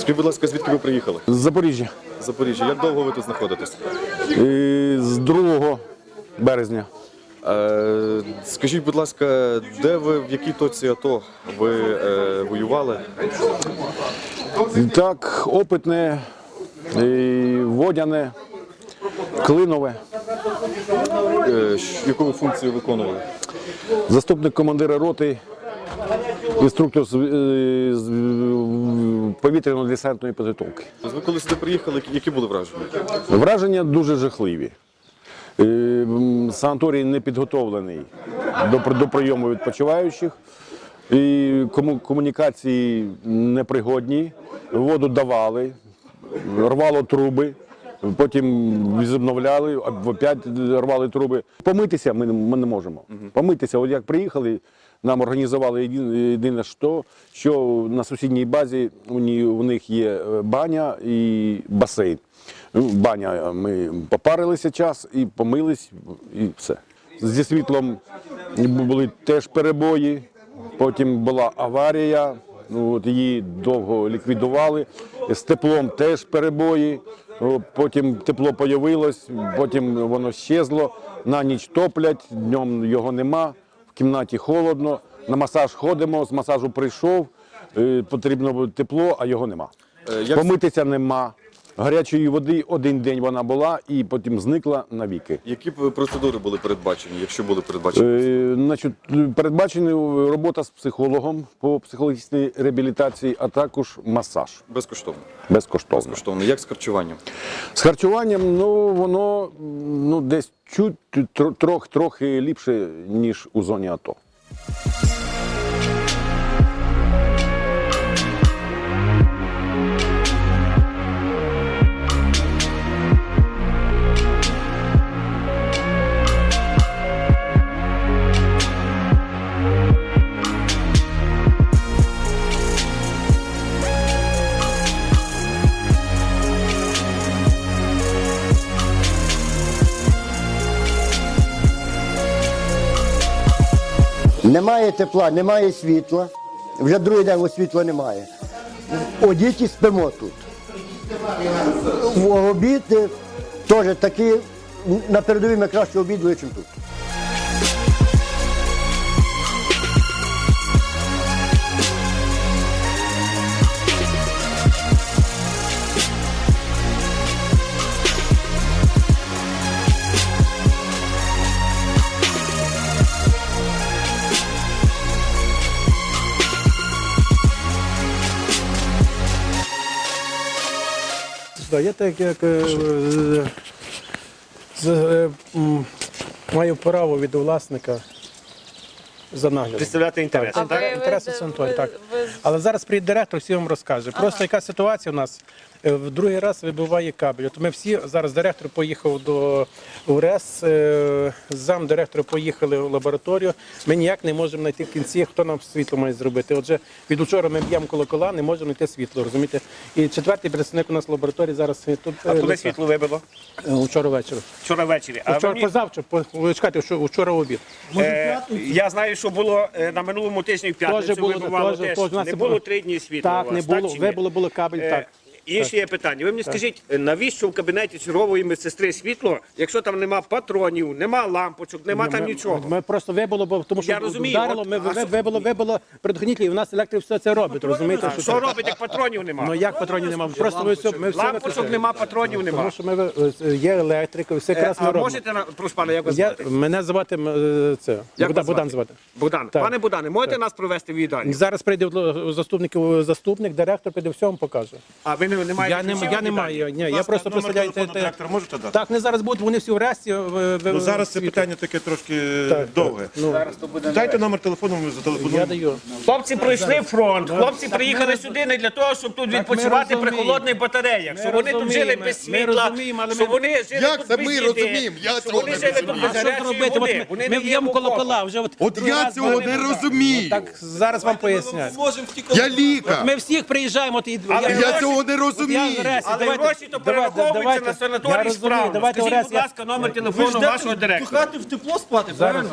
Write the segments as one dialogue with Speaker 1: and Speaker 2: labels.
Speaker 1: Скажіть, будь ласка, звідки ви приїхали?
Speaker 2: З Запоріжжя.
Speaker 1: З Запоріжжя. Як довго ви тут знаходитесь?
Speaker 2: З 2 березня.
Speaker 1: Скажіть, будь ласка, де ви, в якій точці АТО ви воювали?
Speaker 2: Так, Опитне, Водяне, Клинове.
Speaker 1: Яку ви функцію виконували?
Speaker 2: Заступник командира роти, інструктор з повітряно-десантної підготовки.
Speaker 1: Ви коли сюди приїхали, які були враження?
Speaker 2: Враження дуже жахливі. Санаторій не підготовлений до прийому відпочиваючих, і комунікації непригодні, воду давали, рвало труби, потім відновляли, опять рвали труби. Помитися ми не можемо. Помитися, от як приїхали, нам організували єдине, що на сусідній базі у них є баня і басейн. Баня, ми попарилися час і помились, і все. Зі світлом були теж перебої, потім була аварія, її довго ліквідували, з теплом теж перебої, потім тепло з'явилось, потім воно щезло, на ніч топлять, днем його нема, в кімнаті холодно, на масаж ходимо, з масажу прийшов, потрібно тепло, а його нема. Помитися нема. Гарячої води 1 день вона була і потім зникла навіки.
Speaker 1: Які процедури були передбачені, якщо були передбачені?
Speaker 2: Передбачена робота з психологом по психологічній реабілітації, а також масаж.
Speaker 1: Безкоштовно?
Speaker 2: Безкоштовно.
Speaker 1: Безкоштовно. Як з харчуванням?
Speaker 2: З харчуванням, воно десь трохи ліпше, ніж у зоні АТО.
Speaker 3: Немає тепла, немає світла, вже другий день світла немає. Одіть і спимо тут. В обід теж такі, на передовій ми краще обідали, ніж тут.
Speaker 4: Я так як маю право від власника за наглядом.
Speaker 5: Представляти інтереси, так?
Speaker 4: Інтереси санаторію, так. Але зараз приїде директор, всі вам розкаже. Просто яка ситуація у нас, в другий раз вибиває кабель. От ми всі, зараз директор поїхав до УРЕС, замдиректора поїхали в лабораторію. Ми ніяк не можемо знайти в кінці, хто нам світло має зробити. Отже, від учора ми б'ємо колокола, не можемо знайти світло, розумієте? І 4-й представник у нас в лабораторії зараз тут.
Speaker 5: А коли світло вибило?
Speaker 4: Вчора ввечері.
Speaker 5: Вчора ввечері.
Speaker 4: Позавчора, чекайте, вчора в обід.
Speaker 5: Я знаю, що було на минулому тижні в п'ятницю вибивало теж. Не було 3 дні світла
Speaker 4: Так,
Speaker 5: у
Speaker 4: не
Speaker 5: вас,
Speaker 4: було,
Speaker 5: чи ні?
Speaker 4: вибило кабель, так.
Speaker 5: Інше є питання. Ви мені скажіть, навіщо в кабінеті чергової медсестри світло, якщо там нема патронів, нема лампочок, нема там нічого?
Speaker 4: Ми просто вибило, бо тому що
Speaker 5: Я розумію,
Speaker 4: вдарило,
Speaker 5: от,
Speaker 4: ми вибило предохранитель, і в нас електрик все це робить, розумієте?
Speaker 5: Що робить, як патронів нема?
Speaker 4: Ну як патронів немає? Просто ми все
Speaker 5: Лампочок нема, патронів нема.
Speaker 4: Тому що є електрика, все якраз ми
Speaker 5: А
Speaker 4: робимо.
Speaker 5: можете, прошу пана, як вас звати?
Speaker 4: Мене звати
Speaker 5: Як вас
Speaker 4: Богдан звати.
Speaker 5: Богдан.
Speaker 4: Так.
Speaker 5: Пане Богдане, можете нас провести в їдальню?
Speaker 4: Зараз прийде заступник, директор прийде, все вам покаже.
Speaker 5: А ви не маєте
Speaker 4: Я не маю, ні, я просто
Speaker 6: Номер
Speaker 4: представляю.
Speaker 6: телефону директора можете дати?
Speaker 4: Так, не зараз будуть, вони всі в ресті.
Speaker 6: Ну, зараз це питання таке трошки довге. Дайте номер телефону, ми зателефонуємо.
Speaker 4: Я даю.
Speaker 5: Хлопці пройшли фронт, хлопці приїхали сюди не для того, щоб тут відпочивати при холодних батареях, щоб вони тут жили без світла, щоб вони жили тут без їди, щоб вони жили тут без гарячої води.
Speaker 4: Ми б'ємо колокола вже.
Speaker 7: От я цього не розумію.
Speaker 4: Так, зараз вам пояснять.
Speaker 7: Я лікар.
Speaker 4: Ми всіх приїжджаємо.
Speaker 7: Я цього не розумію.
Speaker 5: Але гроші то перераховуються на санаторій справно. Скажіть, будь ласка, номер телефону вашого директора.
Speaker 8: Хати в тепло спати, правильно?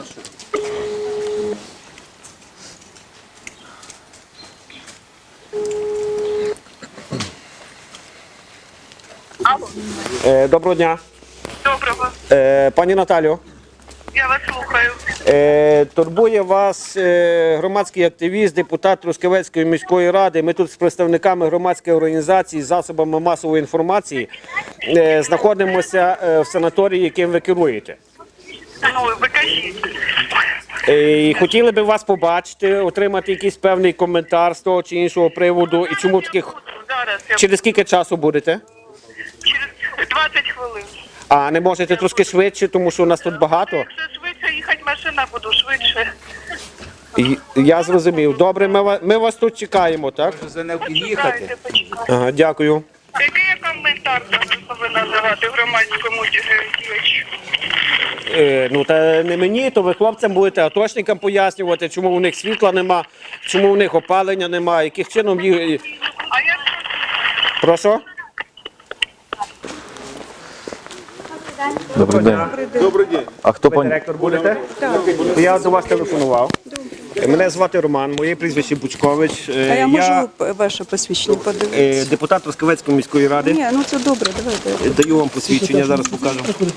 Speaker 5: Доброго дня.
Speaker 8: Доброго.
Speaker 5: Пані Наталю,
Speaker 8: Я вас слухаю.
Speaker 5: турбує вас громадський активіст, депутат Трускавецької міської ради. Ми тут з представниками громадської організації, засобами масової інформації знаходимося в санаторії, яким ви керуєте.
Speaker 8: Ну, ви кажіть.
Speaker 5: І хотіли би вас побачити, отримати якийсь певний коментар з того чи іншого приводу. І чому таких...
Speaker 8: Зараз я
Speaker 5: Через скільки часу будете?
Speaker 8: через 20 хвилин.
Speaker 5: А не можете трошки швидше, тому що у нас тут багато?
Speaker 8: Якщо швидше їхати машина, буду швидше.
Speaker 5: Я зрозумів. Добре, ми вас тут чекаємо, так?
Speaker 8: Почекайте, почекайте.
Speaker 5: Ага, дякую.
Speaker 8: Який я коментар зараз повинна давати громадському діячу?
Speaker 5: Ну та не мені, то ви хлопцям будете атошникам пояснювати, чому у них світла нема, чому у них опалення нема, яких чином їх...
Speaker 8: А я
Speaker 5: Прошу?
Speaker 1: Добрий день.
Speaker 6: Добрий день.
Speaker 1: А хто пані?
Speaker 5: Директор будете? Так. Я до вас телефонував. Мене звати Роман, моє прізвище Бучкович.
Speaker 9: А я можу ваше посвідчення подивитися?
Speaker 5: Депутат Трускавецької міської ради.
Speaker 9: Ні, ну це добре, давайте.
Speaker 5: Даю вам посвідчення, зараз покажу.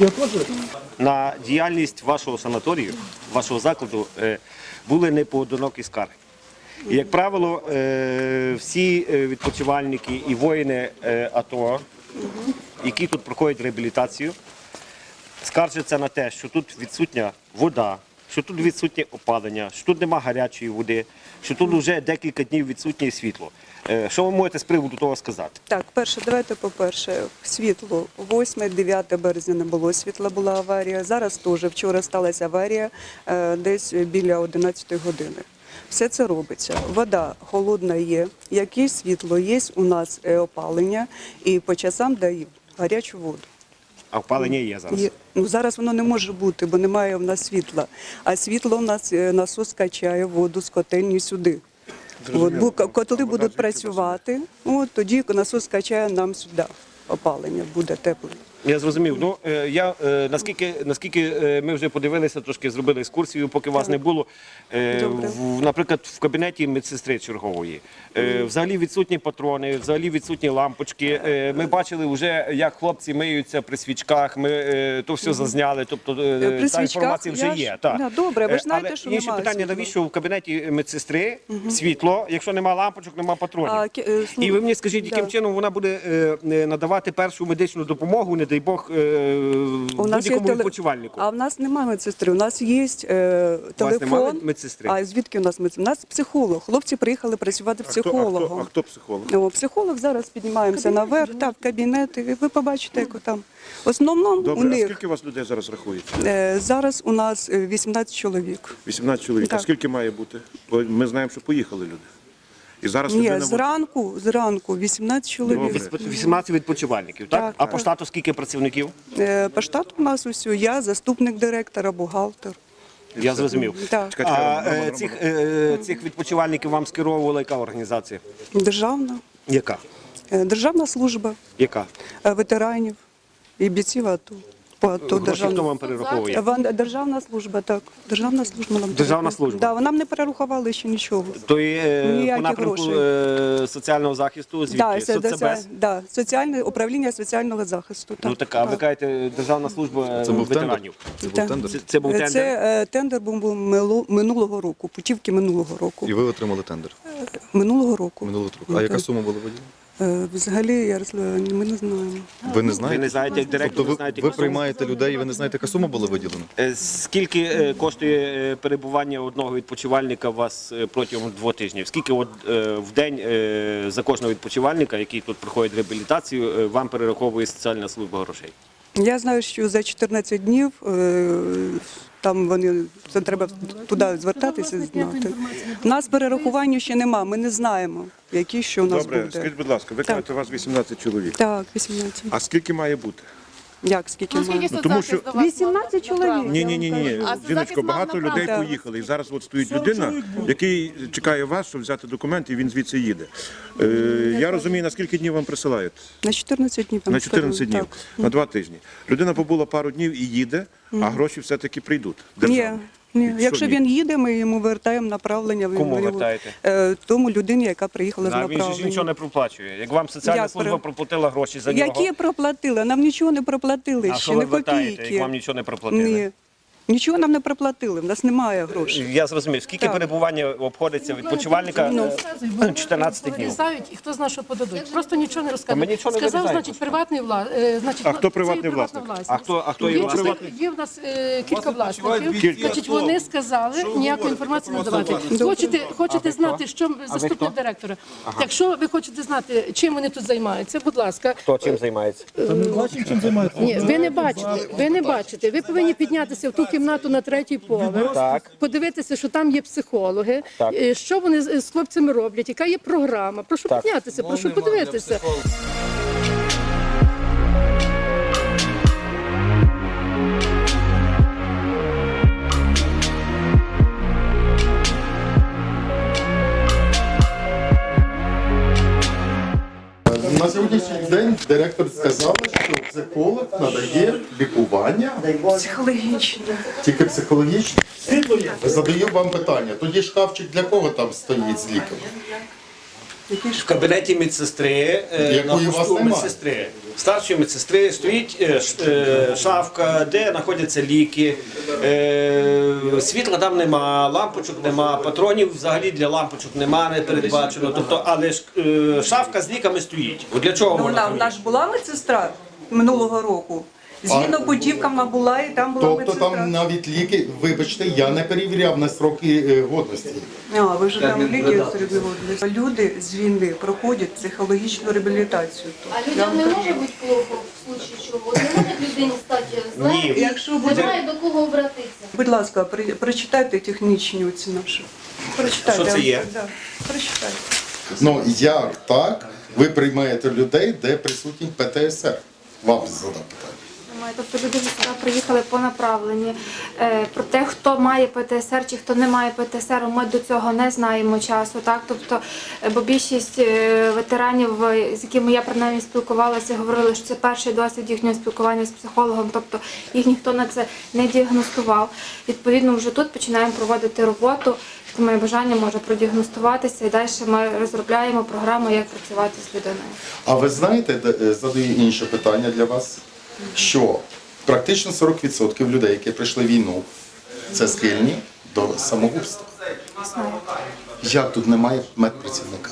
Speaker 5: На діяльність вашого санаторію, вашого закладу, були непоодинокі скарги. І, як правило, всі відпочивальники і воїни АТО, які тут проходять реабілітацію, скаржаться на те, що тут відсутня вода, що тут відсутнє опалення, що тут нема гарячої води, що тут вже декілька днів відсутнє світло. Що ви можете з приводу того сказати?
Speaker 9: Так, давайте по-перше, світло. 8-9 березня не було світла, була аварія. Зараз теж, вчора сталася аварія десь біля 11 години. Все це робиться. Вода холодна є, якесь світло є, у нас опалення і по часам дають гарячу воду.
Speaker 5: А опалення є зараз?
Speaker 9: Ну, зараз воно не може бути, бо немає в нас світла. А світло в нас насос качає воду з котельні сюди. Котли будуть працювати, тоді насос качає нам сюди. Опалення буде тепле.
Speaker 5: Я зрозумів. Ну, наскільки ми вже подивилися, трошки зробили екскурсію, поки вас не було. Наприклад, в кабінеті медсестри чергової. Взагалі відсутні патрони, взагалі відсутні лампочки. Ми бачили вже, як хлопці миються при свічках, ми то все зазняли, тобто та інформація вже є.
Speaker 9: Добре, ви ж знаєте,
Speaker 5: Але
Speaker 9: що
Speaker 5: інше
Speaker 9: немає
Speaker 5: питання,
Speaker 9: світла.
Speaker 5: навіщо в кабінеті медсестри світло, якщо нема лампочок, нема патронів? І ви мені скажіть, яким чином вона буде надавати першу медичну допомогу, не дай Бог, будь-якому відпочивальнику?
Speaker 9: А в нас немає медсестри, у нас є телефон.
Speaker 5: немає медсестри?
Speaker 9: А звідки у нас медсестри? У нас психолог. Хлопці приїхали працювати психологом.
Speaker 6: А хто психолог?
Speaker 9: Психолог, зараз піднімаємося наверх, так, в кабінет, і ви побачите, як там. В основному у
Speaker 6: Добре, а
Speaker 9: них
Speaker 6: скільки у вас людей зараз рахується?
Speaker 9: зараз у нас 18 чоловік.
Speaker 6: 18 чоловік. А
Speaker 9: Так.
Speaker 6: скільки має бути? Бо ми знаємо, що поїхали люди. І зараз
Speaker 9: Ні,
Speaker 6: людина
Speaker 9: зранку 18 чоловік.
Speaker 6: Добре.
Speaker 5: 18 відпочивальників, так?
Speaker 9: Так,
Speaker 5: А
Speaker 9: так.
Speaker 5: по штату скільки працівників?
Speaker 9: По штату у нас усю я, заступник директора, бухгалтер.
Speaker 5: Я зрозумів.
Speaker 9: Так.
Speaker 5: А цих відпочивальників вам скеровувала яка організація?
Speaker 9: Державна.
Speaker 5: Яка?
Speaker 9: Державна служба
Speaker 5: Яка?
Speaker 9: ветеранів і бійців АТО. По АТО
Speaker 5: Гроші хто вам перераховує?
Speaker 9: Державна служба, так. Державна служба нам
Speaker 5: Державна
Speaker 9: перераховує.
Speaker 5: служба?
Speaker 9: Да, нам не перерахували ще нічого.
Speaker 5: То є по
Speaker 9: Ніяких
Speaker 5: напрямку соціального захисту, звідки? Соцбез?
Speaker 9: Да, соціальне управління соціального захисту. Так.
Speaker 5: Ну така, ви кажете, Державна служба
Speaker 1: Це був тендер?
Speaker 5: ветеранів.
Speaker 1: Це був
Speaker 9: Так.
Speaker 1: тендер?
Speaker 5: Це був тендер?
Speaker 9: Це тендер був минулого року, путівки минулого року.
Speaker 1: І ви отримали тендер
Speaker 9: Минулого року.
Speaker 1: минулого року. А яка сума була виділена?
Speaker 9: Взагалі, Ярослав, ми не знаємо.
Speaker 1: Ви не
Speaker 5: Ви
Speaker 1: знаєте?
Speaker 5: не знаєте, як директор,
Speaker 1: Тобто
Speaker 5: не знаєте,
Speaker 1: ви
Speaker 5: яка сума?
Speaker 1: приймаєте людей і ви не знаєте, яка сума була виділена?
Speaker 5: Скільки коштує перебування одного відпочивальника у вас протягом 2 тижнів? Скільки в день за кожного відпочивальника, який тут проходить реабілітацію, вам перераховує соціальна служба грошей?
Speaker 9: Я знаю, що за 14 днів там це треба туди звертатися, знати. У нас перерахування ще нема, ми не знаємо, які що у нас
Speaker 6: Добре,
Speaker 9: буде.
Speaker 6: скажіть, будь ласка, ви кажете, у вас 18 чоловік.
Speaker 9: Так, 18.
Speaker 6: А скільки має бути?
Speaker 9: Як, скільки має?
Speaker 6: Тому що
Speaker 9: 18 чоловік.
Speaker 6: ні.
Speaker 10: А
Speaker 6: Жіночко, багато людей
Speaker 9: Так.
Speaker 6: поїхали. І зараз от стоїть людина, який чекає вас, щоб взяти документи, і він звідси їде. Я розумію, на скільки днів вам присилають?
Speaker 9: На 14 днів.
Speaker 6: На 14 днів,
Speaker 9: Так.
Speaker 6: на 2 тижні. Людина побула пару днів і їде, а гроші все-таки прийдуть.
Speaker 9: Ні,
Speaker 6: державні.
Speaker 9: Ні,
Speaker 6: Що
Speaker 9: якщо
Speaker 6: ні?
Speaker 9: він їде, ми йому вертаємо направлення.
Speaker 5: Кому
Speaker 9: Ми його-
Speaker 5: вертаєте?
Speaker 9: Тому людині, яка приїхала з
Speaker 5: А він же ж нічого
Speaker 9: направлення.
Speaker 5: не проплачує. Як вам соціальна
Speaker 9: Як
Speaker 5: служба
Speaker 9: про-
Speaker 5: проплатила гроші за нього,
Speaker 9: Які проплатили? Нам нічого не проплатили,
Speaker 5: а
Speaker 9: ще
Speaker 5: що ви
Speaker 9: не
Speaker 5: вертаєте,
Speaker 9: копійки.
Speaker 5: як вам нічого не проплатили?
Speaker 9: Ні. Нічого нам не проплатили, в нас немає грошей.
Speaker 5: Я зрозумів. Скільки
Speaker 9: Так.
Speaker 5: перебування обходиться відпочивальника? 14 днів.
Speaker 10: Вирізають, і хто знає, що подадуть. Просто нічого не
Speaker 5: Та ми
Speaker 10: розказують.
Speaker 5: нічого не
Speaker 10: Сказав,
Speaker 5: вирізаємо.
Speaker 10: значить, приватний
Speaker 6: А хто приватний власник?
Speaker 5: А хто є власник?
Speaker 10: Є в нас кілька власників. Значить, вони сказали ніякої інформації не давати. Хочете знати, що заступник директора? Якщо ви хочете знати, чим вони тут займаються, будь ласка.
Speaker 5: Хто чим займається?
Speaker 10: Ні, ви не бачите. Ви не бачите. Ви повинні піднятися в ту кімнату на 3-й поверх,
Speaker 5: Так.
Speaker 10: подивитися, що там є психологи,
Speaker 5: Так.
Speaker 10: що вони з хлопцями роблять, яка є програма. Прошу піднятися, прошу подивитися.
Speaker 7: На сьогоднішній день директор сказала, що психолог надає лікування
Speaker 9: Психологічно.
Speaker 7: тільки психологічне. Задаю вам питання. Тоді шкафчик для кого там стоїть з ліками?
Speaker 5: В кабінеті медсестри,
Speaker 7: Якої
Speaker 5: на
Speaker 7: у вас
Speaker 5: посту
Speaker 7: нема?
Speaker 5: медсестри, старшої медсестри стоїть шафка, де знаходяться ліки. Світла там нема, лампочок нема, патронів взагалі для лампочок нема, не передбачено. Тобто, але ж шафка з ліками стоїть. От для чого вона?
Speaker 9: Вона ж була медсестра минулого року. Згідно путівкам вона була і там була
Speaker 7: Тобто
Speaker 9: медсестра.
Speaker 7: там навіть ліки, вибачте, я не перевіряв на сроки годності.
Speaker 9: А, ви ж там ліки зробили. Люди з війни проходять психологічну реабілітацію.
Speaker 11: А людям не може бути плохо в случае чого? От не може людині стати зле,
Speaker 5: Ні.
Speaker 9: Якщо буде,
Speaker 11: немає до кого обратитися.
Speaker 9: будь ласка, прочитайте технічні оці наші. Прочитайте.
Speaker 5: Що це є?
Speaker 9: Да, прочитайте.
Speaker 7: Ну як так ви приймаєте людей, де присутній ПТСР? Вам задам питання.
Speaker 11: Тобто люди вже сюди приїхали по направленні. Про те, хто має ПТСР чи хто не має ПТСР, ми до цього не знаємо часу. Так? Тобто, бо більшість ветеранів, з якими я принаймні спілкувалася, говорили, що це перший досвід їхнього спілкування з психологом, тобто їх ніхто на це не діагностував. Відповідно, вже тут починаємо проводити роботу. Хто має бажання, може продіагностуватися і далі ми розробляємо програму, як працювати з людиною.
Speaker 7: А ви знаєте, задаю інше питання для вас, що практично 40% людей, які прийшли в війну, це схильні до самогубства.
Speaker 11: Знаю.
Speaker 7: Як тут немає медпрацівника?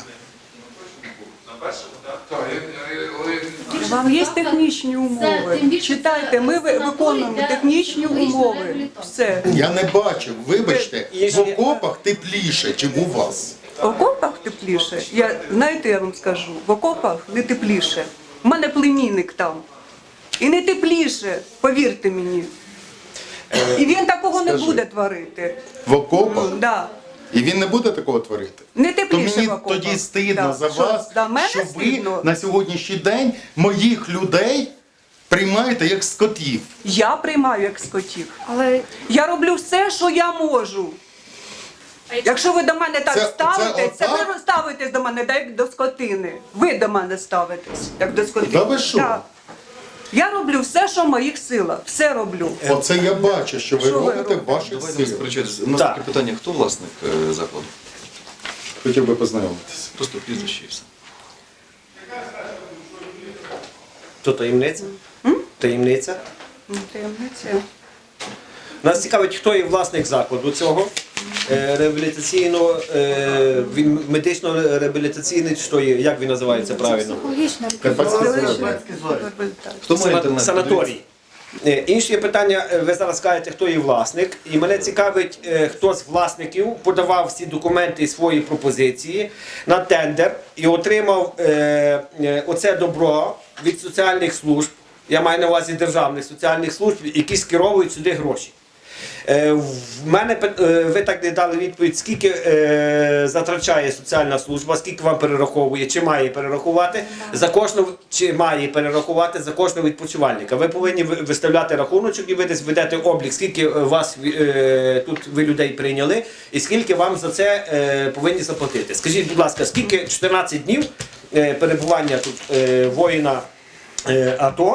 Speaker 9: Вам є технічні умови.
Speaker 11: тим більше
Speaker 9: Читайте,
Speaker 11: це
Speaker 9: ми
Speaker 11: санаторій
Speaker 9: виконуємо
Speaker 11: для
Speaker 9: технічні
Speaker 11: психологічної
Speaker 9: умови.
Speaker 11: реабілітації.
Speaker 9: Все.
Speaker 7: Я не бачив, вибачте, в окопах тепліше, ніж у вас.
Speaker 9: В окопах тепліше. Знаєте, я вам скажу, в окопах не тепліше. У мене племінник там. І не тепліше, повірте мені. І він такого не
Speaker 7: Скажи.
Speaker 9: буде творити.
Speaker 7: В окопах?
Speaker 9: Да.
Speaker 7: І він не буде такого творити?
Speaker 9: Не
Speaker 7: То
Speaker 9: тепліше
Speaker 7: мені
Speaker 9: в окопах.
Speaker 7: тоді стидно
Speaker 9: Да.
Speaker 7: за
Speaker 9: Що,
Speaker 7: вас,
Speaker 9: за мене
Speaker 7: що ви
Speaker 9: стидно?
Speaker 7: на сьогоднішній день моїх людей приймаєте як скотів.
Speaker 9: Я приймаю як скотів.
Speaker 11: Але
Speaker 9: Я роблю все, що я можу. Якщо ви до мене так
Speaker 7: Це
Speaker 9: ставитесь, це
Speaker 7: отак?
Speaker 9: ви ставитесь до мене так, як до скотини. Ви до мене ставитесь, як до скотини.
Speaker 7: Та ви що?
Speaker 9: Да. Я роблю все, що в моїх силах. Все роблю.
Speaker 7: Оце я бачу, що ви
Speaker 9: Що ви
Speaker 7: робите в
Speaker 9: робите?
Speaker 7: ваших
Speaker 1: Давайте не
Speaker 7: силах.
Speaker 1: сперечатися. У нас
Speaker 5: Так.
Speaker 1: таке питання, хто власник закладу?
Speaker 7: Хотів би познайомитися.
Speaker 1: Просто прізвище і все.
Speaker 5: То таємниця? Таємниця?
Speaker 9: Таємниця.
Speaker 5: Нас цікавить, хто є власник закладу цього реабілітаційного, він медично-реабілітаційний, що є, як він називається правильно?
Speaker 11: психологічна
Speaker 1: Хто має інтернет?
Speaker 5: Санаторій. Інше є питання, ви зараз кажете, хто є власник, і мене цікавить, хто з власників подавав всі документи і свої пропозиції на тендер і отримав оце добро від соціальних служб, я маю на увазі державних соціальних служб, які скеровують сюди гроші. В мене ви так не дали відповідь, скільки затрачає соціальна служба, скільки вам перераховує, чи має перерахувати за кожного, чи має перерахувати за кожного відпочивальника. Ви повинні виставляти рахуночок і ви десь ведете облік, скільки вас тут ви людей прийняли, і скільки вам за це повинні заплатити. Скажіть, будь ласка, скільки 14 днів перебування тут воїна АТО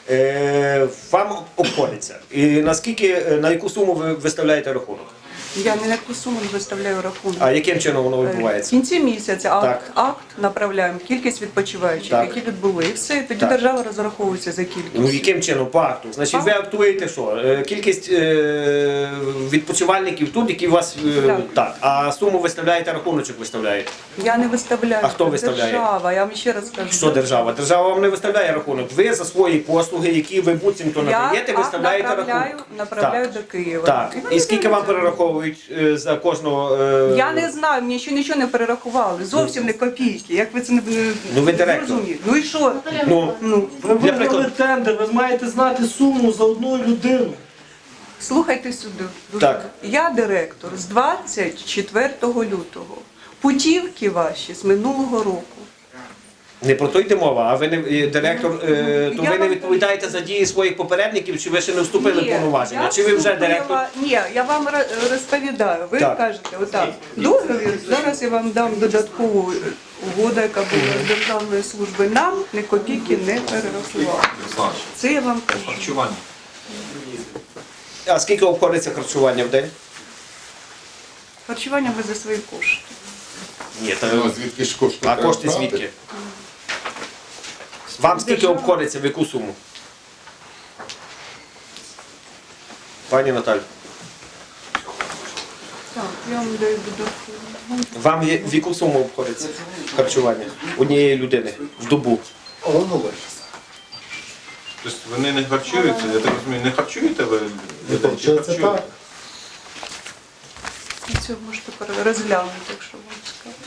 Speaker 5: вам обходиться? І на яку суму ви виставляєте рахунок?
Speaker 9: Я не на яку суму не виставляю рахунок.
Speaker 5: А яким чином воно
Speaker 9: В
Speaker 5: відбувається?
Speaker 9: кінці місяця
Speaker 5: Так.
Speaker 9: акт направляємо, кількість відпочиваючих,
Speaker 5: Так.
Speaker 9: які відбули. І все, тоді
Speaker 5: Так.
Speaker 9: держава розраховується за кількість.
Speaker 5: Ну яким чином? По акту. Значить, ви актуєте що? Кількість відпочивальників тут, які у вас так. А суму виставляєте, рахуночок виставляєте.
Speaker 9: Я не виставляю.
Speaker 5: А хто
Speaker 9: це
Speaker 5: виставляє?
Speaker 9: Держава, я вам ще раз кажу.
Speaker 5: Що держава? Держава вам не виставляє рахунок. Ви за свої послуги, які ви буцімто надаєте,
Speaker 9: Я
Speaker 5: виставляєте
Speaker 9: направляю
Speaker 5: рахунок.
Speaker 9: до Києва.
Speaker 5: Так. І скільки вам перераховують за кожного?
Speaker 9: Я не знаю, мені ще нічого не перерахували. Зовсім не копійки. Як ви це не
Speaker 5: Ну, ви директор.
Speaker 9: зрозумієте? Ну і що?
Speaker 5: Ну,
Speaker 12: Ви виграли тендер, ви маєте знати суму за одну людину.
Speaker 9: Слухайте сюди.
Speaker 5: Так.
Speaker 9: Я директор з 24 лютого. Путівки ваші з минулого року.
Speaker 5: не про то йде мова, а ви не директор, то
Speaker 9: я
Speaker 5: ви не
Speaker 9: вам
Speaker 5: відповідаєте за дії своїх попередників, чи ви ще не вступили в
Speaker 9: Ні,
Speaker 5: повноваження?
Speaker 9: я
Speaker 5: Чи ви вже
Speaker 9: вступила-
Speaker 5: директор?
Speaker 9: Ні, я вам розповідаю. Ви
Speaker 5: Так.
Speaker 9: кажете, отак, договір, зараз я вам дам додаткову угоду, яка була з державної служби. Нам ні копійки не перерахували. Це я вам кажу.
Speaker 5: А скільки обходиться харчування в день?
Speaker 9: Харчування ви за свої кошти.
Speaker 5: Ні,
Speaker 7: Ну, звідки ж кошти?
Speaker 5: а
Speaker 7: треба
Speaker 5: кошти
Speaker 7: брати?
Speaker 5: звідки? Вам скільки обходиться, в яку суму? Пані Наталю,
Speaker 9: Так, я вам даю додаткову.
Speaker 5: вам в яку суму обходиться харчування однієї людини в добу?
Speaker 6: Тобто вони не харчуються, я так розумію, не харчуєте ви людей? Чи харчуєте?
Speaker 9: Це можете розглянути, якщо вам цікаво.